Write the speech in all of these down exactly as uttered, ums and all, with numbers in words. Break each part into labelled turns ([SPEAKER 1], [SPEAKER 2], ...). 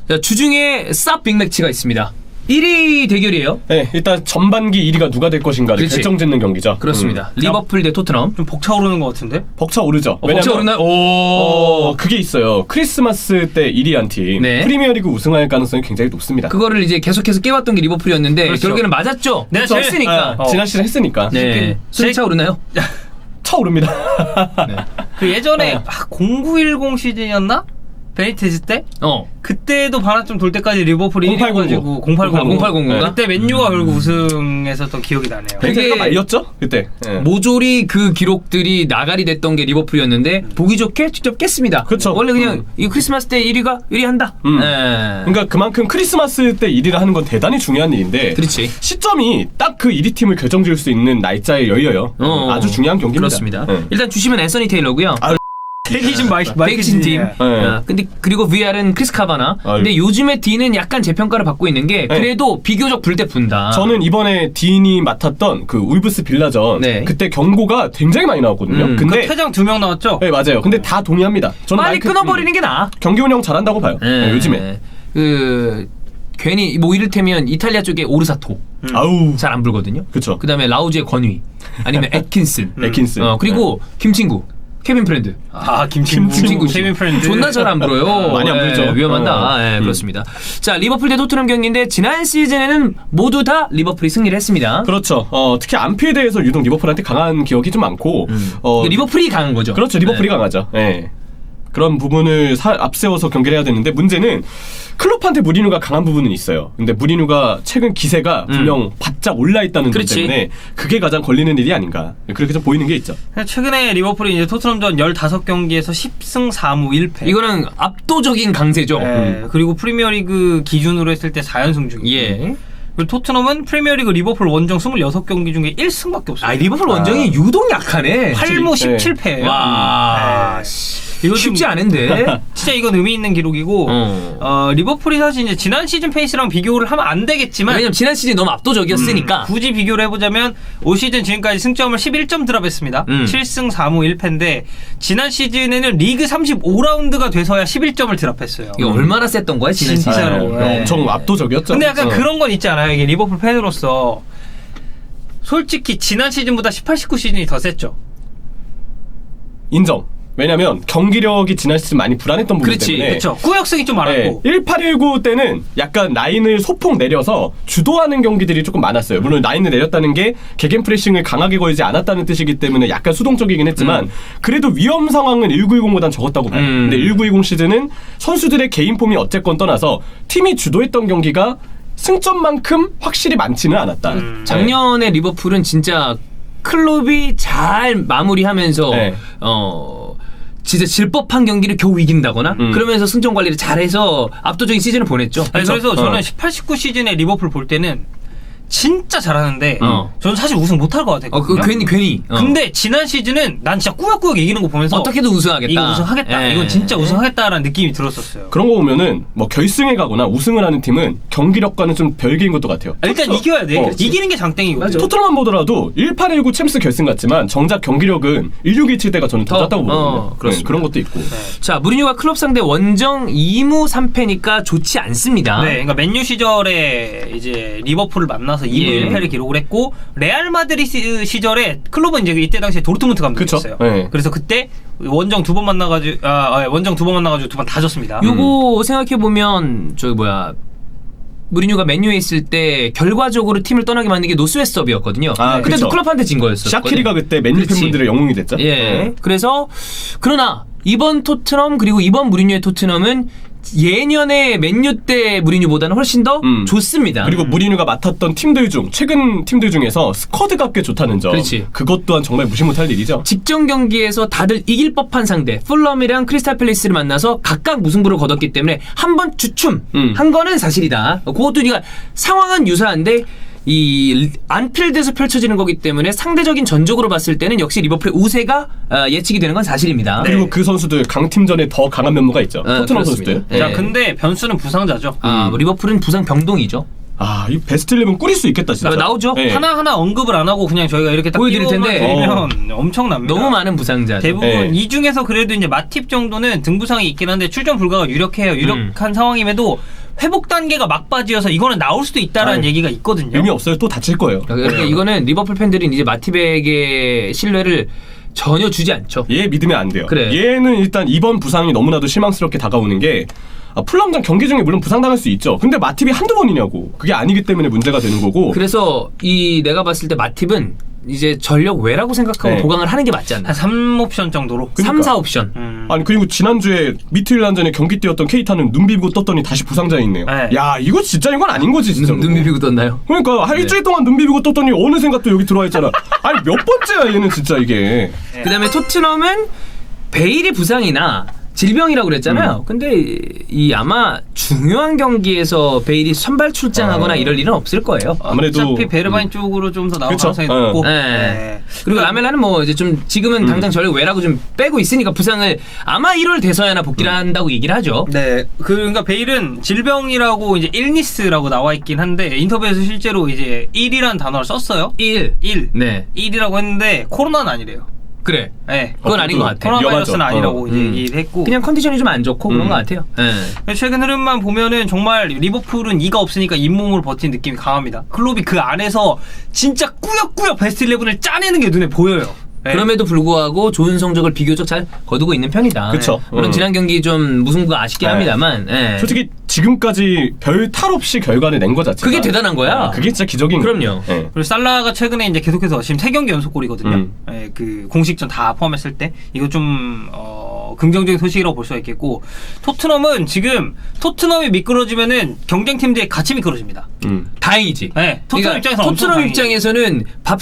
[SPEAKER 1] 자, 주중에 쌉 빅매치가 있습니다. 일 위 대결이에요.
[SPEAKER 2] 네, 일단 전반기 일 위가 누가 될 것인가를
[SPEAKER 1] 그렇지.
[SPEAKER 2] 결정짓는 경기죠.
[SPEAKER 1] 그렇습니다.
[SPEAKER 2] 음.
[SPEAKER 1] 리버풀 대 토트넘.
[SPEAKER 3] 좀 벅차오르는 것 같은데?
[SPEAKER 2] 벅차오르죠.
[SPEAKER 1] 어, 벅차오르나요? 오.
[SPEAKER 2] 어, 그게 있어요. 크리스마스 때 일 위 한 팀
[SPEAKER 1] 네.
[SPEAKER 2] 프리미어리그 우승할 가능성이 굉장히 높습니다.
[SPEAKER 1] 그거를 이제 계속해서 깨왔던 게 리버풀이었는데
[SPEAKER 3] 그렇죠.
[SPEAKER 1] 결국에는 맞았죠.
[SPEAKER 3] 내가
[SPEAKER 1] 그렇죠.
[SPEAKER 3] 제일-
[SPEAKER 1] 했으니까.
[SPEAKER 2] 아, 지난 시즌 했으니까.
[SPEAKER 1] 네. 술이 차오르나요?
[SPEAKER 2] 차오릅니다.
[SPEAKER 1] 네.
[SPEAKER 3] 그 예전에
[SPEAKER 2] 어.
[SPEAKER 3] 아, 공구일공 시즌이었나? 베니테즈 때?
[SPEAKER 1] 어.
[SPEAKER 3] 그때도 반환 좀 돌 때까지 리버풀이
[SPEAKER 2] 공팔공구.
[SPEAKER 3] 일 위 가지고 공팔공구.
[SPEAKER 1] 공팔공구인가?
[SPEAKER 3] 그때 맨유가 결국 우승했었던 기억이 나네요.
[SPEAKER 1] 되게-
[SPEAKER 2] 베니테즈가 말렸죠? 그때. 네.
[SPEAKER 1] 모조리 그 기록들이 나가리 됐던 게 리버풀이었는데 보기 좋게 직접 깼습니다.
[SPEAKER 2] 그쵸.
[SPEAKER 1] 원래 그냥
[SPEAKER 2] 음.
[SPEAKER 1] 이 크리스마스 때 일 위가 일 위 한다.
[SPEAKER 2] 음.
[SPEAKER 1] 네.
[SPEAKER 2] 그러니까 그만큼 크리스마스 때 일 위를 하는 건 대단히 중요한 일인데
[SPEAKER 1] 그렇지.
[SPEAKER 2] 시점이 딱 그 일 위 팀을 결정지을 수 있는 날짜에 열려요.
[SPEAKER 1] 어.
[SPEAKER 2] 아주 중요한 경기입니다.
[SPEAKER 1] 그렇습니다.
[SPEAKER 2] 네.
[SPEAKER 1] 일단 주심은 앤서니 테일러고요.
[SPEAKER 2] 아,
[SPEAKER 3] 대기진 마이크
[SPEAKER 1] 백신 팀.
[SPEAKER 2] 네.
[SPEAKER 1] 아, 근데 그리고 브이알은 크리스 카바나.
[SPEAKER 2] 아유.
[SPEAKER 1] 근데 요즘에 D는 약간 재평가를 받고 있는 게
[SPEAKER 2] 네.
[SPEAKER 1] 그래도 비교적 불때 분다.
[SPEAKER 2] 저는 이번에 딘이 맡았던 그 울브스 빌라전
[SPEAKER 1] 네.
[SPEAKER 2] 그때 경고가 굉장히 많이 나왔거든요.
[SPEAKER 1] 음.
[SPEAKER 2] 근데
[SPEAKER 3] 그 퇴장 두 명 나왔죠?
[SPEAKER 2] 네, 맞아요. 근데 다 동의합니다. 저는
[SPEAKER 1] 빨리
[SPEAKER 2] 마이크-
[SPEAKER 1] 끊어버리는 게 나아.
[SPEAKER 2] 음, 경기 운영 잘한다고 봐요. 네, 요즘에.
[SPEAKER 1] 그 괜히 뭐 이를테면 이탈리아 쪽에 오르사토
[SPEAKER 3] 음.
[SPEAKER 2] 아우.
[SPEAKER 1] 잘 안 불거든요.
[SPEAKER 2] 그쵸.
[SPEAKER 1] 그다음에 라우즈의 권위 아니면 애킨슨.
[SPEAKER 2] 애킨슨.
[SPEAKER 1] 어, 그리고 김친구. 케빈 프렌드.
[SPEAKER 3] 아 김친구,
[SPEAKER 1] 김친구 씨.
[SPEAKER 3] 케빈 프렌드
[SPEAKER 1] 존나 잘 안 불어요.
[SPEAKER 2] 많이 안
[SPEAKER 1] 예,
[SPEAKER 2] 불죠.
[SPEAKER 1] 위험하다.
[SPEAKER 2] 어.
[SPEAKER 1] 예,
[SPEAKER 2] 음.
[SPEAKER 1] 그렇습니다. 자, 리버풀 대 토트넘 경기인데 지난 시즌에는 모두 다 리버풀이 승리를 했습니다.
[SPEAKER 2] 그렇죠. 어, 특히 안필드에서 유독 리버풀한테 강한 기억이 좀 많고 어,
[SPEAKER 1] 근데 리버풀이 강한 거죠.
[SPEAKER 2] 그렇죠. 리버풀이
[SPEAKER 1] 네.
[SPEAKER 2] 강하죠. 예. 그런 부분을 사, 앞세워서 경기를 해야 되는데 문제는 클롭한테 무리뉴가 강한 부분은 있어요. 근데 무리뉴가 최근 기세가 분명 바짝 올라 있다는 점
[SPEAKER 1] 그렇지.
[SPEAKER 2] 때문에 그게 가장 걸리는 일이 아닌가. 그렇게 좀 보이는 게 있죠.
[SPEAKER 3] 최근에 리버풀이 이제 토트넘전 십오 경기에서 십 승 사 무 일 패.
[SPEAKER 1] 이거는 압도적인 강세죠.
[SPEAKER 3] 예, 그리고 프리미어리그 기준으로 했을 때 사 연승 중이에요.
[SPEAKER 1] 예.
[SPEAKER 3] 그리고 토트넘은 프리미어리그 리버풀 원정 이십육 경기 중에 일 승밖에 없어요.
[SPEAKER 1] 아, 리버풀 원정이 유독 약하네.
[SPEAKER 3] 팔 무
[SPEAKER 2] 네.
[SPEAKER 3] 십칠 패예요.
[SPEAKER 1] 와,
[SPEAKER 3] 이거
[SPEAKER 1] 쉽지
[SPEAKER 3] 좀-
[SPEAKER 1] 않은데.
[SPEAKER 3] 진짜 이건 의미 있는 기록이고
[SPEAKER 1] 어.
[SPEAKER 3] 어, 리버풀이 사실 이제 지난 시즌 페이스랑 비교를 하면 안 되겠지만
[SPEAKER 1] 왜냐면 지난 시즌 너무 압도적이었으니까.
[SPEAKER 3] 굳이 비교를 해보자면 올 시즌 지금까지 승점을 십일 점 드랍했습니다.
[SPEAKER 1] 음.
[SPEAKER 3] 칠 승 사 무 일 패인데 지난 시즌에는 리그 삼십오 라운드가 돼서야 십일 점을 드랍했어요.
[SPEAKER 1] 이게 얼마나 셌던 거야 지난 시즌.
[SPEAKER 3] 진짜로.
[SPEAKER 2] 예,
[SPEAKER 3] 예.
[SPEAKER 2] 엄청 압도적이었죠.
[SPEAKER 3] 근데 약간
[SPEAKER 2] 어.
[SPEAKER 3] 그런 건 있지 않아요? 이게 리버풀 팬으로서 솔직히 지난 시즌보다 십팔, 십구 시즌이 더 셌죠.
[SPEAKER 2] 인정. 왜냐면 경기력이 지난 시즌 많이 불안했던 부분
[SPEAKER 1] 그렇지,
[SPEAKER 2] 때문에
[SPEAKER 3] 그렇죠. 꾸역승이 좀 많았고.
[SPEAKER 2] 네, 십팔, 십구 때는 약간 라인을 소폭 내려서 주도하는 경기들이 조금 많았어요. 물론 라인을 내렸다는 게 개겐 프레싱을 강하게 걸지 않았다는 뜻이기 때문에 약간 수동적이긴 했지만
[SPEAKER 1] 음.
[SPEAKER 2] 그래도 위험 상황은 십구, 이십보단 적었다고 봐요.
[SPEAKER 1] 음.
[SPEAKER 2] 근데 십구, 이십 시즌은 선수들의 개인 폼이 어쨌건 떠나서 팀이 주도했던 경기가 승점만큼 확실히 많지는 않았다.
[SPEAKER 3] 음.
[SPEAKER 1] 작년에 리버풀은 진짜 클롭이 잘 마무리하면서
[SPEAKER 2] 네.
[SPEAKER 1] 어 진짜 질 법한 경기를 겨우 이긴다거나
[SPEAKER 2] 음.
[SPEAKER 1] 그러면서 승점 관리를 잘해서 압도적인 시즌을 보냈죠.
[SPEAKER 3] 아니, 그래서
[SPEAKER 2] 어.
[SPEAKER 3] 저는 십팔, 십구 시즌에 리버풀 볼 때는 진짜 잘하는데
[SPEAKER 1] 어.
[SPEAKER 3] 저는 사실 우승 못할 것
[SPEAKER 1] 어,
[SPEAKER 3] 같았거든요.
[SPEAKER 1] 그 괜히 괜히. 어.
[SPEAKER 3] 근데 지난 시즌은 난 진짜 꾸역꾸역 이기는 거 보면서
[SPEAKER 1] 어떻게든 우승하겠다.
[SPEAKER 3] 이거 우승하겠다.
[SPEAKER 1] 예.
[SPEAKER 3] 이건 진짜 우승하겠다라는 느낌이 들었었어요.
[SPEAKER 2] 그런 거 보면은 뭐 결승에 가거나 우승을 하는 팀은 경기력과는 좀 별개인 것도 같아요.
[SPEAKER 3] 아, 일단
[SPEAKER 2] 토트-
[SPEAKER 3] 이겨야 돼.
[SPEAKER 2] 어,
[SPEAKER 3] 이기는 게 장땡이거든.
[SPEAKER 1] 맞아.
[SPEAKER 2] 토트넘만 보더라도 십팔, 십구 챔스 결승 같지만 정작 경기력은 십육, 십칠 때가 저는 더
[SPEAKER 1] 더,
[SPEAKER 2] 낫다고 보거든요.
[SPEAKER 1] 어, 그렇습니다.
[SPEAKER 2] 네, 그런 것도 있고.
[SPEAKER 1] 자, 무리뉴가 클럽 상대 원정 이 무 삼 패니까 좋지 않습니다.
[SPEAKER 3] 네, 그러니까 맨유 시절에 이제 리버풀을 만나서 이 무
[SPEAKER 1] 예.
[SPEAKER 3] 일 패를 기록을 했고 레알 마드리드 시절에 클럽은 이제 이때 당시에 도르트문트 감독이었어요.
[SPEAKER 2] 그쵸? 네.
[SPEAKER 3] 그래서 그때 원정 두 번 만나가지고 아, 아, 원정 두 번 만나가지고 두 번 다 졌습니다.
[SPEAKER 1] 요거 생각해 보면 저기 뭐야 무리뉴가 맨유에 있을 때 결과적으로 팀을 떠나게 만든 게 노스웨스업이었거든요.
[SPEAKER 2] 아,
[SPEAKER 1] 그때도
[SPEAKER 2] 그쵸.
[SPEAKER 1] 클럽한테 진 거였어.
[SPEAKER 2] 샤키리가 그때 맨유
[SPEAKER 1] 그렇지.
[SPEAKER 2] 팬분들의 영웅이 됐죠.
[SPEAKER 1] 예.
[SPEAKER 2] 네.
[SPEAKER 1] 그래서 그러나 이번 토트넘 그리고 이번 무리뉴의 토트넘은 예년의 맨유 때 무리뉴보다는 훨씬 더
[SPEAKER 2] 음.
[SPEAKER 1] 좋습니다.
[SPEAKER 2] 그리고 무리뉴가 맡았던 팀들 중 최근 팀들 중에서 스쿼드가 꽤 좋다는 점.
[SPEAKER 1] 그렇지.
[SPEAKER 2] 그것 또한 정말 무시 못할 일이죠.
[SPEAKER 1] 직전 경기에서 다들 이길 법한 상대 풀럼이랑 크리스탈 팰리스를 만나서 각각 무승부를 거뒀기 때문에 한 번 주춤
[SPEAKER 2] 음.
[SPEAKER 1] 한 거는 사실이다. 그것도 우리가 상황은 유사한데 이 안필드에서 펼쳐지는 거기 때문에 상대적인 전적으로 봤을 때는 역시 리버풀의 우세가 어, 예측이 되는 건 사실입니다.
[SPEAKER 3] 네.
[SPEAKER 2] 그리고 그 선수들 강팀전에 더 강한 면모가 있죠.
[SPEAKER 1] 아,
[SPEAKER 2] 토트넘
[SPEAKER 1] 그렇습니다.
[SPEAKER 2] 선수들.
[SPEAKER 1] 예.
[SPEAKER 3] 자, 근데 변수는 부상자죠.
[SPEAKER 1] 아, 뭐 리버풀은 부상 병동이죠.
[SPEAKER 2] 아, 이 베스트 십일 꾸릴 수 있겠다 진짜.
[SPEAKER 1] 아, 나오죠.
[SPEAKER 2] 예.
[SPEAKER 3] 하나하나 언급을 안 하고 그냥 저희가 이렇게 딱
[SPEAKER 1] 보여드릴 텐데.
[SPEAKER 3] 드리면 엄청납니다.
[SPEAKER 1] 너무 많은 부상자죠.
[SPEAKER 3] 대부분
[SPEAKER 2] 네.
[SPEAKER 3] 이 중에서 그래도 이제 마팁 정도는 등부상이 있긴 한데 출전 불가가 유력해요. 유력한
[SPEAKER 1] 음.
[SPEAKER 3] 상황임에도 회복 단계가 막바지여서 이거는 나올 수도 있다라는
[SPEAKER 2] 아니,
[SPEAKER 3] 얘기가 있거든요.
[SPEAKER 2] 의미 없어요. 또 다칠 거예요.
[SPEAKER 1] 그러니까 이거는 리버풀 팬들은 이제 마티백의 신뢰를 전혀 주지 않죠.
[SPEAKER 2] 얘 믿으면 안 돼요.
[SPEAKER 1] 그래.
[SPEAKER 2] 얘는 일단 이번 부상이 너무나도 실망스럽게 다가오는 게 아, 풀럼전 경기 중에 물론 부상당할 수 있죠. 근데 마팁이 한두 번이냐고. 그게 아니기 때문에 문제가 되는 거고.
[SPEAKER 1] 그래서 이 내가 봤을 때 마팁은 이제 전력 외라고 생각하고
[SPEAKER 2] 네.
[SPEAKER 1] 보강을 하는 게 맞지 않나.
[SPEAKER 3] 한 삼 옵션 정도로.
[SPEAKER 2] 그러니까.
[SPEAKER 1] 삼, 사 옵션.
[SPEAKER 3] 음.
[SPEAKER 2] 아니 그리고 지난주에 미트윌란전에 경기 뛰었던 케이타는 눈 비비고 떴더니 다시 부상자에 있네요.
[SPEAKER 3] 네.
[SPEAKER 2] 야 이거 진짜 이건 아닌 거지 진짜.
[SPEAKER 1] 눈, 눈 비비고 떴나요?
[SPEAKER 2] 그러니까 한
[SPEAKER 1] 네.
[SPEAKER 2] 일주일 동안 눈 비비고 떴더니 어느샌가 또 여기 들어와 있잖아. 아니 몇 번째야 얘는 진짜 이게.
[SPEAKER 1] 그 다음에 토트넘은 베일이 부상이나 질병이라고 그랬잖아요.
[SPEAKER 2] 음.
[SPEAKER 1] 근데 이 아마 중요한 경기에서 베일이 선발 출장하거나
[SPEAKER 2] 아.
[SPEAKER 1] 이럴 일은 없을 거예요.
[SPEAKER 2] 아무래도
[SPEAKER 3] 어차피 베르바인 쪽으로 좀 더 나올
[SPEAKER 2] 그쵸?
[SPEAKER 3] 가능성이
[SPEAKER 2] 어.
[SPEAKER 3] 높고.
[SPEAKER 1] 네.
[SPEAKER 3] 네.
[SPEAKER 1] 그리고 라멜라는 뭐 이제 좀 지금은 당장 전력 외라고 좀 빼고 있으니까 부상을 아마 일월 돼서야나 복귀를 한다고 얘기를 하죠.
[SPEAKER 3] 네, 그, 그러니까 베일은 질병이라고 이제 일니스라고 나와 있긴 한데 인터뷰에서 실제로 이제 일이라는 단어를 썼어요.
[SPEAKER 1] 일.
[SPEAKER 3] 일.
[SPEAKER 1] 네.
[SPEAKER 3] 일이라고 했는데 코로나는 아니래요.
[SPEAKER 1] 그래.
[SPEAKER 3] 네.
[SPEAKER 1] 그건 아닌 것 같아.
[SPEAKER 3] 코로나 바이러스는
[SPEAKER 2] 위험하죠.
[SPEAKER 3] 아니라고
[SPEAKER 2] 어.
[SPEAKER 3] 이제
[SPEAKER 1] 음.
[SPEAKER 3] 얘기를 했고.
[SPEAKER 1] 그냥 컨디션이 좀 안 좋고 그런
[SPEAKER 2] 음.
[SPEAKER 1] 것 같아요. 네.
[SPEAKER 3] 최근 흐름만 보면은 정말 리버풀은 이가 없으니까 잇몸으로 버틴 느낌이 강합니다. 클롭이 그 안에서 진짜 꾸역꾸역 베스트 십일을 짜내는 게 눈에 보여요. 네.
[SPEAKER 1] 그럼에도 불구하고 좋은 성적을 비교적 잘 거두고 있는 편이다.
[SPEAKER 2] 그쵸.
[SPEAKER 1] 물론
[SPEAKER 2] 음.
[SPEAKER 1] 지난 경기 좀 무승부가 아쉽긴
[SPEAKER 2] 네.
[SPEAKER 1] 합니다만. 네.
[SPEAKER 2] 솔직히 지금까지 별 탈 없이 결과를 낸 거 자체가
[SPEAKER 1] 그게 대단한 거야.
[SPEAKER 2] 아, 그게 진짜 기적인 거예요.
[SPEAKER 1] 그럼요.
[SPEAKER 2] 예.
[SPEAKER 3] 그리고 살라가 최근에 이제 계속해서 지금 세 경기 연속골이거든요.
[SPEAKER 2] 음.
[SPEAKER 3] 예, 그 공식전 다 포함했을 때 이거 좀 어, 긍정적인 소식이라고 볼 수가 있겠고 토트넘은 지금 토트넘이 미끄러지면은 경쟁팀들이 같이 미끄러집니다.
[SPEAKER 2] 음.
[SPEAKER 1] 다행이지.
[SPEAKER 3] 네, 토트넘
[SPEAKER 1] 그러니까
[SPEAKER 3] 입장에서 엄청
[SPEAKER 1] 토트넘
[SPEAKER 3] 다행이에요.
[SPEAKER 1] 입장에서는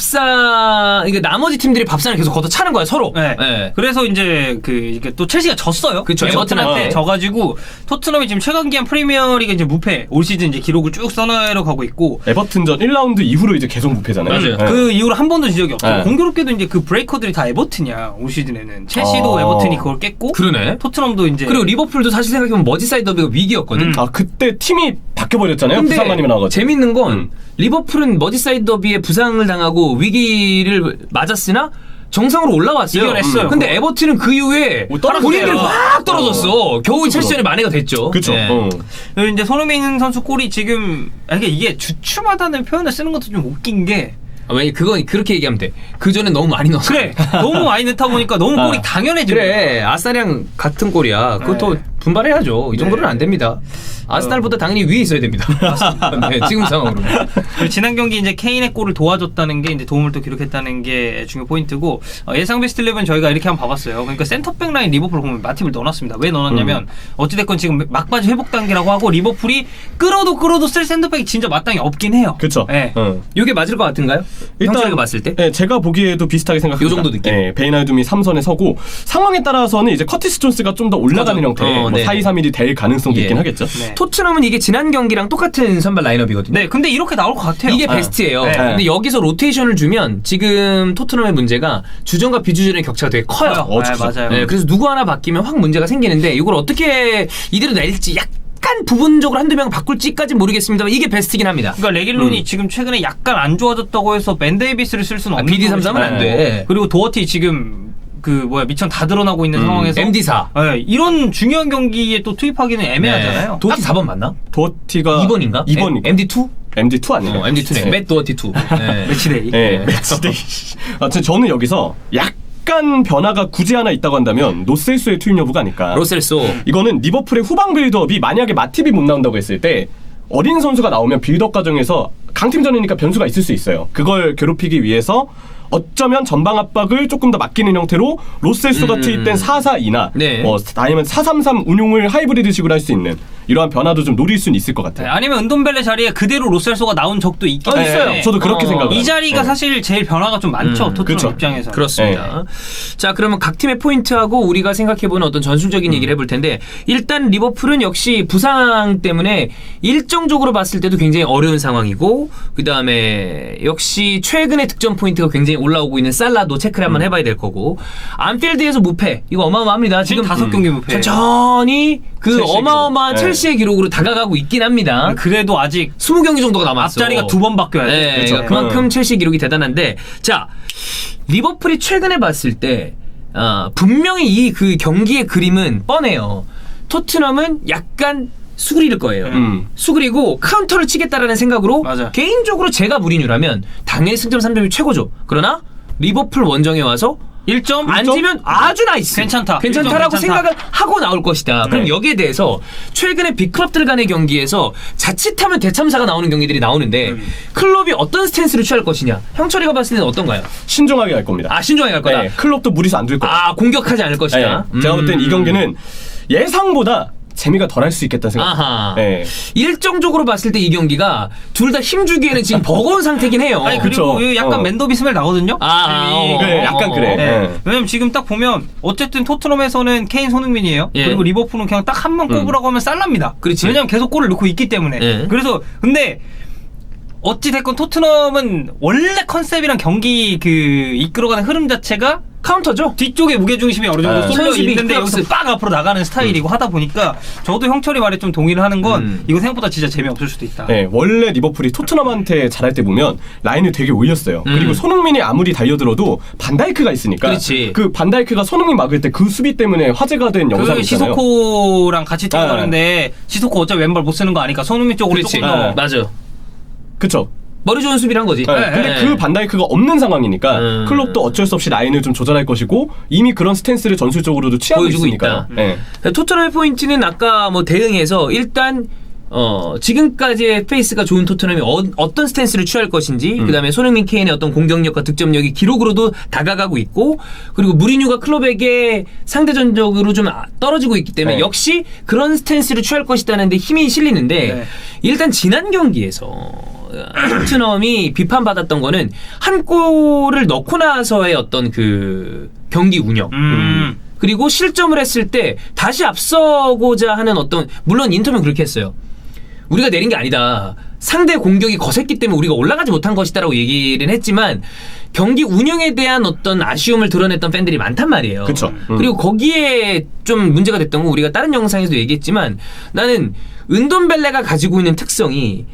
[SPEAKER 1] 밥상, 그러니까 나머지 팀들이 밥상을 계속 걷어 차는 거야 서로.
[SPEAKER 3] 네.
[SPEAKER 1] 네.
[SPEAKER 3] 그래서 이제 그 이게 또 첼시가 졌어요.
[SPEAKER 1] 그쵸,
[SPEAKER 3] 에버튼한테
[SPEAKER 2] 어.
[SPEAKER 3] 져가지고 토트넘이 지금 최근 기한 프리미어리그 이제 무패 올 시즌 이제 기록을 쭉 써나러 가고 있고.
[SPEAKER 2] 에버튼전 일 라운드 이후로 이제 계속 무패잖아요.
[SPEAKER 1] 맞아요.
[SPEAKER 2] 예.
[SPEAKER 3] 그 이후로 한 번도 진 적이 없어요.
[SPEAKER 2] 네.
[SPEAKER 3] 공교롭게도 이제 그 브레이커들이 다 에버튼이야 올 시즌에는. 첼시도
[SPEAKER 2] 어.
[SPEAKER 3] 에버튼이 그걸 깼고.
[SPEAKER 1] 그러네.
[SPEAKER 3] 토트넘도 이제.
[SPEAKER 1] 그리고 리버풀도 사실 생각해보면 머지사이드 더비가 위기였거든.
[SPEAKER 3] 음.
[SPEAKER 2] 아 그때 팀이 바뀌어버렸잖아요.
[SPEAKER 1] 근데
[SPEAKER 2] 부상만이면 나가지고.
[SPEAKER 1] 재밌는 건
[SPEAKER 2] 음.
[SPEAKER 1] 리버풀은 머지사이드 더비에 부상을 당하고 위기를 맞았으나 정상으로 올라왔어요.
[SPEAKER 3] 이겨냈어요.
[SPEAKER 1] 음. 근데 에버튼은 그 이후에
[SPEAKER 2] 뭐 떨어졌어요.
[SPEAKER 1] 본인들이 확 떨어졌어. 겨우 첼시전에 만회가 됐죠.
[SPEAKER 2] 그쵸.
[SPEAKER 1] 네.
[SPEAKER 2] 어.
[SPEAKER 3] 그리고 이제 손흥민 선수 골이 지금 이게 이게 주춤하다는 표현을 쓰는 것도 좀 웃긴 게
[SPEAKER 1] 아, 왜냐 그건 그렇게 얘기하면 돼. 그 전에 너무 많이 넣었어.
[SPEAKER 3] 그래 너무 많이 넣다 보니까 너무 골이
[SPEAKER 2] 아.
[SPEAKER 3] 당연해지고
[SPEAKER 1] 그래 아스날이랑 같은 골이야. 그것도
[SPEAKER 3] 네.
[SPEAKER 1] 분발해야죠. 이 정도는
[SPEAKER 3] 네.
[SPEAKER 1] 안 됩니다. 아스날보다 당연히 위에 있어야 됩니다. 네, 지금 상황으로.
[SPEAKER 3] 그리고 지난 경기 이제 케인의 골을 도와줬다는 게 이제 도움을 또 기록했다는 게 중요 포인트고 어, 예상 베스트 십일 저희가 이렇게 한번 봐봤어요. 그러니까 센터백 라인 리버풀 보면 마팁을 넣어놨습니다. 왜 넣어놨냐면
[SPEAKER 2] 음.
[SPEAKER 3] 어찌됐건 지금 막바지 회복 단계라고 하고 리버풀이 끌어도 끌어도 쓸 센터백이 진짜 마땅히 없긴 해요.
[SPEAKER 2] 그쵸.
[SPEAKER 3] 네.
[SPEAKER 2] 어.
[SPEAKER 1] 이게 맞을 것 같은가요? 형철이가 봤을 때?
[SPEAKER 2] 예, 제가 보기에도 비슷하게 생각합니다.
[SPEAKER 1] 요 정도 느낌?
[SPEAKER 2] 예, 베이나둠이 삼 선에 서고 상황에 따라서는 이제 커티스 존스가 좀 더 올라가는
[SPEAKER 1] 맞아.
[SPEAKER 2] 형태,
[SPEAKER 1] 어,
[SPEAKER 2] 뭐
[SPEAKER 1] 네.
[SPEAKER 2] 사 이 삼 일이 될 가능성도
[SPEAKER 1] 예.
[SPEAKER 2] 있긴 하겠죠.
[SPEAKER 3] 네.
[SPEAKER 1] 토트넘은 이게 지난 경기랑 똑같은 선발 라인업이거든요.
[SPEAKER 3] 네, 근데 이렇게 나올 것 같아요.
[SPEAKER 1] 이게
[SPEAKER 2] 네.
[SPEAKER 1] 베스트예요.
[SPEAKER 3] 네.
[SPEAKER 1] 근데 여기서 로테이션을 주면 지금 토트넘의 문제가 주전과 비주전의 격차가 되게 커요.
[SPEAKER 3] 커요.
[SPEAKER 2] 어,
[SPEAKER 3] 네,
[SPEAKER 2] 진짜.
[SPEAKER 3] 맞아요.
[SPEAKER 1] 네, 그래서 누구 하나 바뀌면 확 문제가 생기는데 이걸 어떻게 이대로 낼지 약간 부분적으로 한두 명 바꿀지까지는 모르겠습니다만 이게 베스트긴 합니다.
[SPEAKER 3] 그러니까 레길론이
[SPEAKER 2] 음.
[SPEAKER 3] 지금 최근에 약간 안 좋아졌다고 해서 벤 데이비스를 쓸 수는
[SPEAKER 1] 아,
[SPEAKER 3] 없는
[SPEAKER 1] 비디 삼십삼은 안
[SPEAKER 3] 거지만.
[SPEAKER 1] 돼.
[SPEAKER 3] 그리고 도어티 지금 그 뭐야 미천 다 드러나고 있는
[SPEAKER 2] 음.
[SPEAKER 3] 상황에서
[SPEAKER 1] 엠디 사.
[SPEAKER 3] 네, 이런 중요한 경기에 또 투입하기는 애매하잖아요.
[SPEAKER 1] 도티 사 번 맞나?
[SPEAKER 2] 도티가
[SPEAKER 1] 이 번인가?
[SPEAKER 2] 이 번인가?
[SPEAKER 1] 엠디 투?
[SPEAKER 2] 엠디 투 아니에요?
[SPEAKER 1] 어, 엠디 투네.
[SPEAKER 2] 네.
[SPEAKER 1] 맷 도어티 투. 네.
[SPEAKER 3] 매치데이.
[SPEAKER 2] 예, 매치데이. 아, 저- 저는 여기서 약간 변화가 굳이 하나 있다고 한다면 노셀소의 투입 여부가 아닐까.
[SPEAKER 1] 로셀소.
[SPEAKER 2] 이거는 리버풀의 후방 빌드업이 만약에 마팁이 못 나온다고 했을 때 어린 선수가 나오면 빌드업 과정에서 강팀전이니까 변수가 있을 수 있어요. 그걸 괴롭히기 위해서 어쩌면 전방 압박을 조금 더 맡기는 형태로 로셀소가
[SPEAKER 1] 음.
[SPEAKER 2] 투입된 사 사 이나
[SPEAKER 1] 네.
[SPEAKER 2] 뭐 아니면 사 삼 삼 운용을 하이브리드식으로 할 수 있는 이러한 변화도 좀 노릴 수는 있을 것
[SPEAKER 3] 네,
[SPEAKER 2] 같아요.
[SPEAKER 3] 아니면 은돈벨레 자리에 그대로 로셀소가 나온 적도 있기
[SPEAKER 1] 어,
[SPEAKER 3] 때문에
[SPEAKER 1] 있어요.
[SPEAKER 2] 저도 그렇게
[SPEAKER 1] 어,
[SPEAKER 2] 생각을
[SPEAKER 3] 이
[SPEAKER 2] 해요.
[SPEAKER 3] 자리가
[SPEAKER 2] 네.
[SPEAKER 3] 사실 제일 변화가 좀 많죠.
[SPEAKER 1] 음,
[SPEAKER 3] 토트넘
[SPEAKER 2] 그쵸.
[SPEAKER 3] 입장에서.
[SPEAKER 1] 그렇습니다. 자, 그러면 각 팀의 포인트하고 우리가 생각해보는 어떤 전술적인 얘기를 해볼 텐데 일단 리버풀은 역시 부상 때문에 일정적으로 봤을 때도 굉장히 어려운 상황이고 그 다음에 역시 최근에 득점 포인트가 굉장히 올라오고 있는 살라도 체크를 한번 해봐야 될 거고 안필드에서 무패 이거 어마어마합니다. 지금
[SPEAKER 3] 지금 다섯 경기 무패.
[SPEAKER 1] 천천히 그
[SPEAKER 2] 첼시의
[SPEAKER 1] 어마어마한
[SPEAKER 2] 기록.
[SPEAKER 1] 첼시의 기록으로 다가가고 있긴 합니다.
[SPEAKER 3] 그래도 아직
[SPEAKER 1] 스무 경기 정도가 남았어.
[SPEAKER 3] 앞자리가 두 번 바뀌어야 돼.
[SPEAKER 1] 네,
[SPEAKER 2] 그렇죠.
[SPEAKER 1] 그러니까 그만큼
[SPEAKER 2] 음.
[SPEAKER 1] 첼시 기록이 대단한데 자 리버풀이 최근에 봤을 때 어, 분명히 이 그 경기의 그림은 뻔해요. 토트넘은 약간 수그릴 거예요.
[SPEAKER 2] 음.
[SPEAKER 1] 수그리고 카운터를 치겠다라는 생각으로
[SPEAKER 3] 맞아.
[SPEAKER 1] 개인적으로 제가 무리뉴라면 당연히 승점 삼 점이 최고죠. 그러나 리버풀 원정에 와서
[SPEAKER 3] 일 점
[SPEAKER 1] 앉으면 아주 나이스.
[SPEAKER 3] 괜찮다.
[SPEAKER 1] 괜찮다라고
[SPEAKER 3] 일 점 괜찮다.
[SPEAKER 1] 생각을 하고 나올 것이다. 그럼
[SPEAKER 2] 네.
[SPEAKER 1] 여기에 대해서 최근에 빅클럽들 간의 경기에서 자칫하면 대참사가 나오는 경기들이 나오는데
[SPEAKER 3] 음.
[SPEAKER 1] 클럽이 어떤 스탠스를 취할 것이냐. 형철이가 봤을 때는 어떤가요?
[SPEAKER 2] 신중하게 갈 겁니다.
[SPEAKER 1] 아, 신중하게 갈 거다.
[SPEAKER 2] 네, 클럽도 무리수 안 둘 거예요.
[SPEAKER 1] 아, 공격하지 않을 것이다.
[SPEAKER 2] 네, 제가 볼 땐 이
[SPEAKER 1] 음.
[SPEAKER 2] 경기는 예상보다 재미가 덜할 수 있겠다는 생각.
[SPEAKER 1] 아하.
[SPEAKER 2] 네.
[SPEAKER 1] 일정적으로 봤을 때 이 경기가 둘 다 힘주기에는 지금 버거운 상태긴 해요.
[SPEAKER 3] 아니 그리고
[SPEAKER 2] 그쵸.
[SPEAKER 3] 약간
[SPEAKER 2] 어.
[SPEAKER 3] 맨더비 스멜 나거든요.
[SPEAKER 1] 아, 어,
[SPEAKER 2] 그래, 약간 그래.
[SPEAKER 3] 네.
[SPEAKER 2] 네.
[SPEAKER 3] 왜냐면 지금 딱 보면 어쨌든 토트넘에서는 케인 손흥민이에요.
[SPEAKER 1] 예.
[SPEAKER 3] 그리고 리버풀은 그냥 딱 한 번 꼽으라고 하면 살랍니다.
[SPEAKER 1] 그렇지.
[SPEAKER 3] 왜냐면 계속 골을 넣고 있기 때문에.
[SPEAKER 1] 예.
[SPEAKER 3] 그래서 근데 어찌 됐건 토트넘은 원래 컨셉이랑 경기 그 이끌어가는 흐름 자체가
[SPEAKER 1] 카운터죠.
[SPEAKER 3] 뒤쪽에 무게중심이 어느 정도
[SPEAKER 2] 네.
[SPEAKER 3] 쏠려
[SPEAKER 1] 선수비
[SPEAKER 3] 있는데
[SPEAKER 1] 플러스.
[SPEAKER 3] 여기서 빡 앞으로 나가는 스타일이고 하다 보니까 저도 형철이 말에 좀 동의를 하는 건
[SPEAKER 1] 음.
[SPEAKER 3] 이거 생각보다 진짜 재미없을 수도 있다.
[SPEAKER 2] 네, 원래 리버풀이 토트넘한테 잘할 때 보면 라인을 되게 올렸어요.
[SPEAKER 1] 음.
[SPEAKER 2] 그리고 손흥민이 아무리 달려들어도 반다이크가 있으니까
[SPEAKER 1] 그렇지.
[SPEAKER 2] 그 반다이크가 손흥민 막을 때 그 수비 때문에 화제가 된 영상이
[SPEAKER 3] 그
[SPEAKER 2] 있잖아요.
[SPEAKER 3] 시소코랑 같이 뛰어가는데 시소코 어차피 왼발 못 쓰는 거 아니까 손흥민 쪽으로
[SPEAKER 1] 그렇지.
[SPEAKER 3] 조금 더
[SPEAKER 1] 맞아.
[SPEAKER 2] 그쵸?
[SPEAKER 1] 머리 좋은 수비를 한 거지.
[SPEAKER 2] 네, 근데
[SPEAKER 1] 네.
[SPEAKER 2] 그 반다이크가 없는 상황이니까
[SPEAKER 1] 음.
[SPEAKER 2] 클럽도 어쩔 수 없이 라인을 좀 조절할 것이고 이미 그런 스탠스를 전술적으로도 취하고
[SPEAKER 1] 보여주고
[SPEAKER 2] 있으니까.
[SPEAKER 1] 있다.
[SPEAKER 2] 네.
[SPEAKER 1] 토트넘의 포인트는 아까 뭐 대응해서 일단 어 지금까지의 페이스가 좋은 토트넘이 어, 어떤 스탠스를 취할 것인지
[SPEAKER 2] 음.
[SPEAKER 1] 그다음에 손흥민 케인의 어떤 공격력과 득점력이 기록으로도 다가가고 있고 그리고 무리뉴가 클럽에게 상대전적으로 좀 아- 떨어지고 있기 때문에
[SPEAKER 2] 네.
[SPEAKER 1] 역시 그런 스탠스를 취할 것이라는 데 힘이 실리는데
[SPEAKER 3] 네.
[SPEAKER 1] 일단 지난 경기에서 토트넘이 비판받았던 거는 한 골을 넣고 나서의 어떤 그 경기 운영
[SPEAKER 3] 음.
[SPEAKER 1] 그리고 실점을 했을 때 다시 앞서고자 하는 어떤 물론 인터뷰는 그렇게 했어요. 우리가 내린 게 아니다. 상대 공격이 거셌기 때문에 우리가 올라가지 못한 것이다라고 얘기를 했지만 경기 운영에 대한 어떤 아쉬움을 드러냈던 팬들이 많단 말이에요.
[SPEAKER 2] 그쵸. 음.
[SPEAKER 1] 그리고 거기에 좀 문제가 됐던 건 우리가 다른 영상에서도 얘기했지만 나는 은돈벨레가 가지고 있는 특성이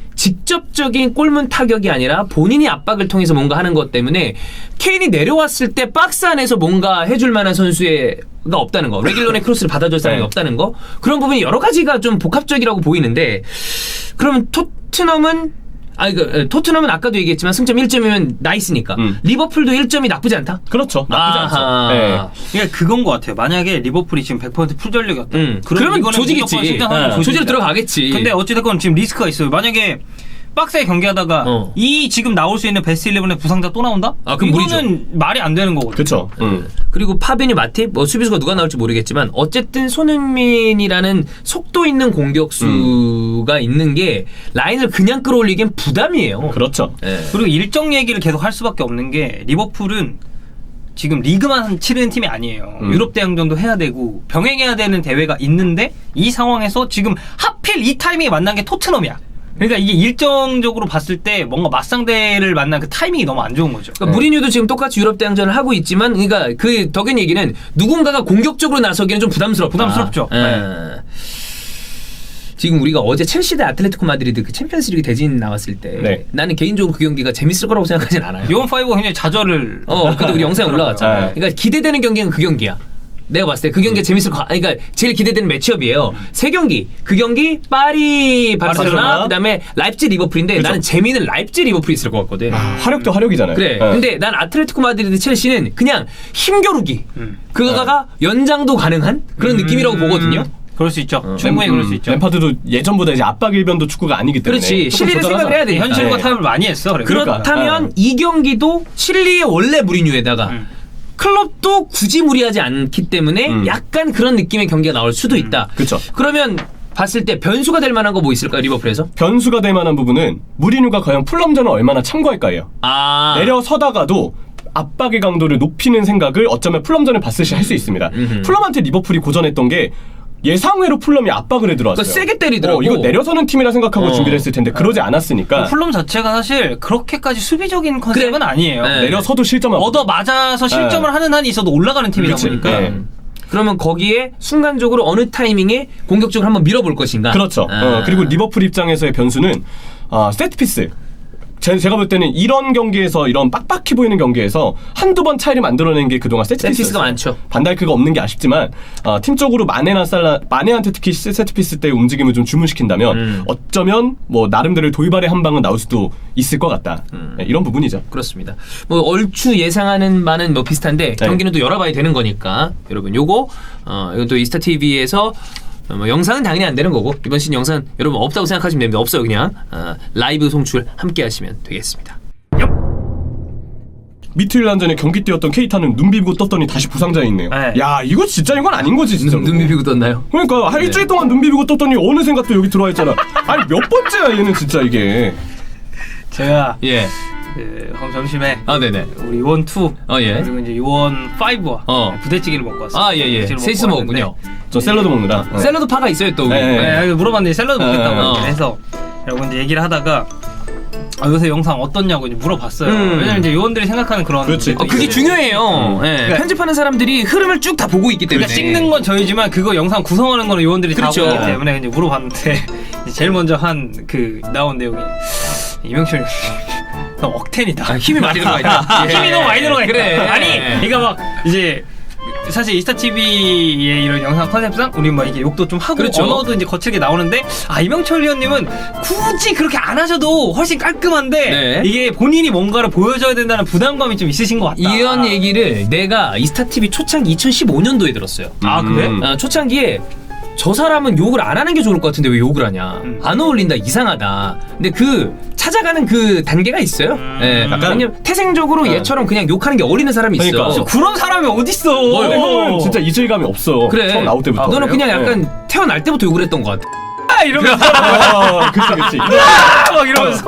[SPEAKER 1] 직접적인 골문 타격이 아니라 본인이 압박을 통해서 뭔가 하는 것 때문에 케인이 내려왔을 때 박스 안에서 뭔가 해줄 만한 선수가 없다는 거. 레길론의 크로스를 받아줄 사람이
[SPEAKER 2] 네.
[SPEAKER 1] 없다는 거. 그런 부분이 여러 가지가 좀 복합적이라고 보이는데 그러면 토트넘은 아 이거 토트넘은 아까도 얘기했지만 승점 일 점이면 나이스니까
[SPEAKER 2] 음.
[SPEAKER 1] 리버풀도 일 점이 나쁘지 않다.
[SPEAKER 2] 그렇죠. 나쁘지
[SPEAKER 1] 아하.
[SPEAKER 2] 않죠. 네.
[SPEAKER 3] 그러니까 그건 것 같아요. 만약에 리버풀이 지금 백 퍼센트 풀전력이었다.
[SPEAKER 1] 음.
[SPEAKER 3] 그럼
[SPEAKER 1] 그러면
[SPEAKER 3] 이거는
[SPEAKER 1] 조지겠지.
[SPEAKER 3] 무조건 승장하는
[SPEAKER 1] 네.
[SPEAKER 3] 조지겠다.
[SPEAKER 1] 조지로 들어가겠지.
[SPEAKER 3] 근데 어찌됐건 지금 리스크가 있어요. 만약에 박스에 경기하다가
[SPEAKER 1] 어.
[SPEAKER 3] 이 지금 나올 수 있는 베스트 십일의 부상자 또 나온다?
[SPEAKER 1] 아, 그럼
[SPEAKER 3] 이거는 말이 안 되는 거거든요.
[SPEAKER 2] 그쵸. 음.
[SPEAKER 1] 그리고 파비뉴 마팁 뭐 수비수가 누가 나올지 모르겠지만 어쨌든 손흥민이라는 속도 있는 공격수가 있는 게 라인을 그냥 끌어올리기엔 부담이에요.
[SPEAKER 2] 그렇죠.
[SPEAKER 1] 예.
[SPEAKER 3] 그리고 일정 얘기를 계속 할 수밖에 없는 게 리버풀은 지금 리그만 치르는 팀이 아니에요.
[SPEAKER 2] 음.
[SPEAKER 3] 유럽 대항전도 해야 되고 병행해야 되는 대회가 있는데 이 상황에서 지금 하필 이 타이밍에 만난 게 토트넘이야. 그러니까 이게 일정적으로 봤을 때 뭔가 맞상대를 만난 그 타이밍이 너무 안 좋은 거죠.
[SPEAKER 1] 그러니까 무리뉴도 지금 똑같이 유럽 대항전을 하고 있지만, 그러니까 그 덕인 얘기는 누군가가 공격적으로 나서기는 좀 부담스럽다.
[SPEAKER 3] 부담스럽죠.
[SPEAKER 1] 예.
[SPEAKER 3] 네.
[SPEAKER 1] 지금 우리가 어제 첼시 대 아틀레티코 마드리드 그 챔피언스리그 대진 나왔을 때
[SPEAKER 2] 네.
[SPEAKER 1] 나는 개인적으로 그 경기가 재밌을 거라고 생각하진 않아요.
[SPEAKER 3] 요원 파이브가 굉장히 좌절을.
[SPEAKER 1] 어, 그때 우리 영상에 올라갔잖아.
[SPEAKER 2] 네.
[SPEAKER 1] 그러니까 기대되는 경기는 그 경기야. 내가 봤을 때 그 경기가 재밌을 거. 아니, 그러니까 제일 기대되는 매치업이에요. 세 경기. 그 경기 파리 바르셀로나,
[SPEAKER 2] 바르셀로나.
[SPEAKER 1] 그다음에 라이프치 리버풀인데
[SPEAKER 2] 그죠.
[SPEAKER 1] 나는 재미는 라이프치 리버풀이 있을 것 같거든.
[SPEAKER 2] 화력도 화력이잖아요.
[SPEAKER 1] 그래.
[SPEAKER 2] 네.
[SPEAKER 1] 근데 난 아틀레티코 마드리드 첼시는 그냥 힘겨루기.
[SPEAKER 3] 음.
[SPEAKER 1] 그거가 연장도 가능한 그런 느낌이라고 보거든요.
[SPEAKER 3] 그럴 수 있죠.
[SPEAKER 1] 어.
[SPEAKER 3] 충분히
[SPEAKER 2] 램-
[SPEAKER 3] 그럴 수
[SPEAKER 2] 음,
[SPEAKER 3] 있죠.
[SPEAKER 2] 램파드도 예전보다 이제 압박 일변도 축구가 아니기 때문에
[SPEAKER 1] 그렇지.
[SPEAKER 2] 조금
[SPEAKER 1] 실리를
[SPEAKER 2] 조절하자.
[SPEAKER 1] 생각을 해야 되니까.
[SPEAKER 3] 현실과
[SPEAKER 2] 네.
[SPEAKER 3] 타협을 많이 했어. 그래.
[SPEAKER 2] 그러니까.
[SPEAKER 1] 그렇다면
[SPEAKER 2] 어.
[SPEAKER 1] 이 경기도 칠리의 원래 무리뉴에다가
[SPEAKER 3] 음.
[SPEAKER 1] 클럽도 굳이 무리하지 않기 때문에
[SPEAKER 2] 음.
[SPEAKER 1] 약간 그런 느낌의 경기가 나올 수도 있다.
[SPEAKER 2] 그쵸.
[SPEAKER 1] 그러면 봤을 때 변수가 될 만한 거 뭐 있을까요, 리버풀에서?
[SPEAKER 2] 변수가 될 만한 부분은 무리뉴가 과연 풀럼전을 얼마나 참고할까요?
[SPEAKER 1] 아.
[SPEAKER 2] 내려서다가도 압박의 강도를 높이는 생각을 어쩌면 풀럼전을 봤을 시 할 수 있습니다.
[SPEAKER 1] 음흠.
[SPEAKER 2] 풀럼한테 리버풀이 고전했던 게 예상외로 풀럼이 압박을 해 들어왔어요.
[SPEAKER 1] 그러니까 세게 때리더라고.
[SPEAKER 2] 어, 이거 내려서는 팀이라 생각하고
[SPEAKER 1] 어.
[SPEAKER 2] 준비를 했을 텐데 그러지 않았으니까
[SPEAKER 3] 플럼 자체가 사실 그렇게까지 수비적인 컨셉은
[SPEAKER 1] 그래.
[SPEAKER 3] 아니에요.
[SPEAKER 1] 네.
[SPEAKER 2] 내려서도 실점하고
[SPEAKER 3] 얻어 맞아서 실점을
[SPEAKER 2] 네.
[SPEAKER 3] 하는 한이 있어도 올라가는 팀이다
[SPEAKER 2] 그렇지.
[SPEAKER 3] 보니까
[SPEAKER 2] 네.
[SPEAKER 1] 음. 그러면 거기에 순간적으로 어느 타이밍에 공격적으로 한번 밀어볼 것인가?
[SPEAKER 2] 그렇죠.
[SPEAKER 1] 아.
[SPEAKER 2] 어, 그리고 리버풀 입장에서의 변수는 어, 세트피스 제- 제가 볼 때는 이런 경기에서 이런 빡빡해 보이는 경기에서 한두 번 차이를 만들어낸 게 그동안 세트피스가
[SPEAKER 1] 세트피스가 많죠.
[SPEAKER 2] 반다이크가 없는 게 아쉽지만 어, 팀적으로 마네나 살라 마네한테 특히 세트피스 때 움직임을 좀 주문시킨다면
[SPEAKER 1] 음.
[SPEAKER 2] 어쩌면 뭐 나름대로 돌발의 한 방은 나올 수도 있을 것 같다.
[SPEAKER 1] 음.
[SPEAKER 2] 네, 이런 부분이죠.
[SPEAKER 1] 그렇습니다. 뭐 얼추 예상하는 바는 뭐 비슷한데
[SPEAKER 2] 네.
[SPEAKER 1] 경기는 또 열어봐야 되는 거니까 여러분 요거 어 이건 또 이스타 티비에서 어, 뭐 영상은 당연히 안 되는 거고 이번 시즌 영상 여러분 없다고 생각하시면 됩니다. 없어요 그냥 어, 라이브 송출 함께 하시면 되겠습니다.
[SPEAKER 2] 미트윌란전에 경기 뛰었던 케이타는 눈 비비고 떴더니 다시 부상자에 있네요.
[SPEAKER 3] 네.
[SPEAKER 2] 야 이거 진짜 이건 아닌 거지 진짜.
[SPEAKER 1] 눈, 눈 비비고 떴나요?
[SPEAKER 2] 그러니까 한
[SPEAKER 1] 네.
[SPEAKER 2] 일주일 동안 눈 비비고 떴더니 어느샌가 또 여기 들어와 있잖아. 아니 몇 번째야 얘는 진짜 이게.
[SPEAKER 3] 제가
[SPEAKER 1] 예.
[SPEAKER 3] 그 오늘 점심에
[SPEAKER 1] 아 네네.
[SPEAKER 3] 우리 요원 투
[SPEAKER 1] 어 예.
[SPEAKER 3] 그리고 이제 요원 파이브와
[SPEAKER 1] 어.
[SPEAKER 3] 부대찌개를 먹고 왔어요.
[SPEAKER 1] 아 예예.
[SPEAKER 3] 부대찌개를
[SPEAKER 1] 셋이서
[SPEAKER 3] 먹고
[SPEAKER 1] 먹었군요.
[SPEAKER 2] 저 샐러드 먹느라. 네.
[SPEAKER 1] 샐러드 파가 있어요 또. 우리.
[SPEAKER 2] 네, 네.
[SPEAKER 3] 네, 물어봤는데 샐러드 먹겠다고
[SPEAKER 1] 어.
[SPEAKER 3] 해서 여러분 이제 얘기를 하다가 아, 요새 영상 어떻냐고 이제 물어봤어요.
[SPEAKER 1] 음.
[SPEAKER 3] 왜냐면 이제 요원들이 생각하는 그런
[SPEAKER 2] 그렇지.
[SPEAKER 3] 게
[SPEAKER 1] 어, 그게
[SPEAKER 3] 있어요.
[SPEAKER 1] 중요해요. 예.
[SPEAKER 3] 그러니까-
[SPEAKER 1] 편집하는 사람들이 흐름을 쭉 다 보고 있기 때문에.
[SPEAKER 3] 그러니까 찍는 건 저희지만 그거 영상 구성하는 거는 요원들이
[SPEAKER 1] 그렇죠.
[SPEAKER 3] 다 보기 때문에 이제 물어봤는데 이제 제일 먼저 한 그 나온 내용이 이명철 너무 억텐이다.
[SPEAKER 1] 아, 힘이 많이 들어가 있다.
[SPEAKER 3] 힘이 너무 많이 들어가 있다.
[SPEAKER 1] 그래.
[SPEAKER 3] 아니, 그러니까 막 이제 사실 이스타티비의 이런 영상 컨셉상 우리 막 이게 욕도 좀 하고
[SPEAKER 1] 그렇죠.
[SPEAKER 3] 언어도 이제 거칠게 나오는데 아 이명철 위원님은 굳이 그렇게 안 하셔도 훨씬 깔끔한데
[SPEAKER 1] 네.
[SPEAKER 3] 이게 본인이 뭔가를 보여줘야 된다는 부담감이 좀 있으신 것 같다.
[SPEAKER 1] 이런 얘기를 내가 이스타티비 초창기 이천십오 년도에 들었어요.
[SPEAKER 3] 아 그래?
[SPEAKER 2] 음.
[SPEAKER 1] 어, 초창기에 저 사람은 욕을 안 하는 게 좋을 것 같은데 왜 욕을 하냐.
[SPEAKER 3] 음.
[SPEAKER 1] 안 어울린다, 이상하다. 근데 그 찾아가는 그 단계가 있어요.
[SPEAKER 3] 음.
[SPEAKER 1] 예.
[SPEAKER 2] 약간-
[SPEAKER 1] 왜냐면 태생적으로
[SPEAKER 2] 네.
[SPEAKER 1] 얘처럼 그냥 욕하는 게 어울리는 사람이 있어.
[SPEAKER 2] 그러니까.
[SPEAKER 3] 저 그런 사람이 어딨어?
[SPEAKER 2] 근데 형은 진짜 이질감이 없어.
[SPEAKER 1] 그래.
[SPEAKER 2] 처음 나올 때부터.
[SPEAKER 1] 너는 그냥
[SPEAKER 2] 네.
[SPEAKER 1] 약간 태어날 때부터 욕을 했던 것 같아.
[SPEAKER 3] 아 이러면서
[SPEAKER 2] 아, 그치 그치.
[SPEAKER 3] 막 이러면서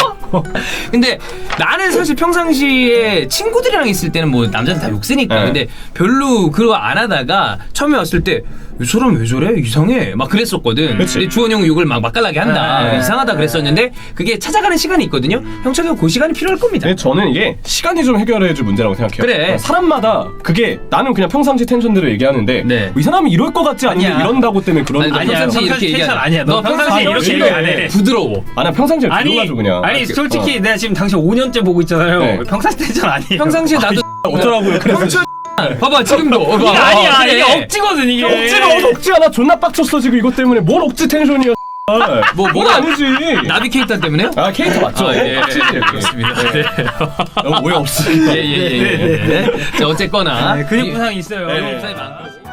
[SPEAKER 1] 근데 나는 사실 평상시에 친구들이랑 있을 때는 뭐 남자들 다 욕쓰니까
[SPEAKER 2] 네.
[SPEAKER 1] 근데 별로 그거 안 하다가 처음에 왔을 때 이 사람 왜 저래? 이상해 막 그랬었거든.
[SPEAKER 2] 그치.
[SPEAKER 1] 근데 주원 형은 욕을 막 맛깔나게 한다.
[SPEAKER 3] 네.
[SPEAKER 1] 이상하다 그랬었는데 그게 찾아가는 시간이 있거든요. 형철이가 그 시간이 필요할 겁니다.
[SPEAKER 2] 근데 저는 이게 시간이 좀 해결해줄 문제라고 생각해요.
[SPEAKER 1] 그래.
[SPEAKER 2] 사람마다 그게 나는 그냥 평상시 텐션대로 얘기하는데
[SPEAKER 1] 네.
[SPEAKER 2] 이 사람이 이럴 것 같지 않은데
[SPEAKER 3] 아니야.
[SPEAKER 2] 이런다고 때문에 그런
[SPEAKER 1] 아니,
[SPEAKER 2] 거.
[SPEAKER 1] 너
[SPEAKER 3] 아니야,
[SPEAKER 1] 평상시
[SPEAKER 3] 평상시
[SPEAKER 1] 이렇게
[SPEAKER 3] 텐션
[SPEAKER 1] 얘기하는
[SPEAKER 3] 아니야. 너 평상시에 이렇게
[SPEAKER 2] 얘기 안 해.
[SPEAKER 1] 부드러워.
[SPEAKER 2] 아, 나 평상시에
[SPEAKER 3] 아니
[SPEAKER 2] 들어가지고 그냥.
[SPEAKER 3] 아니 솔직히
[SPEAKER 2] 어.
[SPEAKER 3] 내가 지금 당신 오 년째 보고 있잖아요.
[SPEAKER 2] 네.
[SPEAKER 3] 평상시 텐션 아니에요.
[SPEAKER 1] 평상시에 나도
[SPEAKER 2] 어쩌라고요? 그래서
[SPEAKER 1] 봐봐 지금도 어,
[SPEAKER 3] 이게
[SPEAKER 1] 봐봐.
[SPEAKER 3] 아니야.
[SPEAKER 1] 그래.
[SPEAKER 3] 이게 억지거든 이게.
[SPEAKER 2] 억지가 어디 억지야? 나 존나 빡쳤어 지금 이것 때문에. 뭘 억지 텐션이야?
[SPEAKER 1] 뭐,
[SPEAKER 2] 뭐가
[SPEAKER 1] 뭐가-
[SPEAKER 2] 아니지?
[SPEAKER 1] 나비케이터 때문에요?
[SPEAKER 2] 아 캐릭터 맞죠?
[SPEAKER 1] 아, 예,
[SPEAKER 2] 억지지.
[SPEAKER 1] 예, 그렇습니다. 네.
[SPEAKER 2] 어, 오해 없으니까.
[SPEAKER 1] 예예예. 예, 예, 예. 자 어쨌거나
[SPEAKER 3] 네, 근육 부상이 있어요.
[SPEAKER 1] 근육 부상이 많고.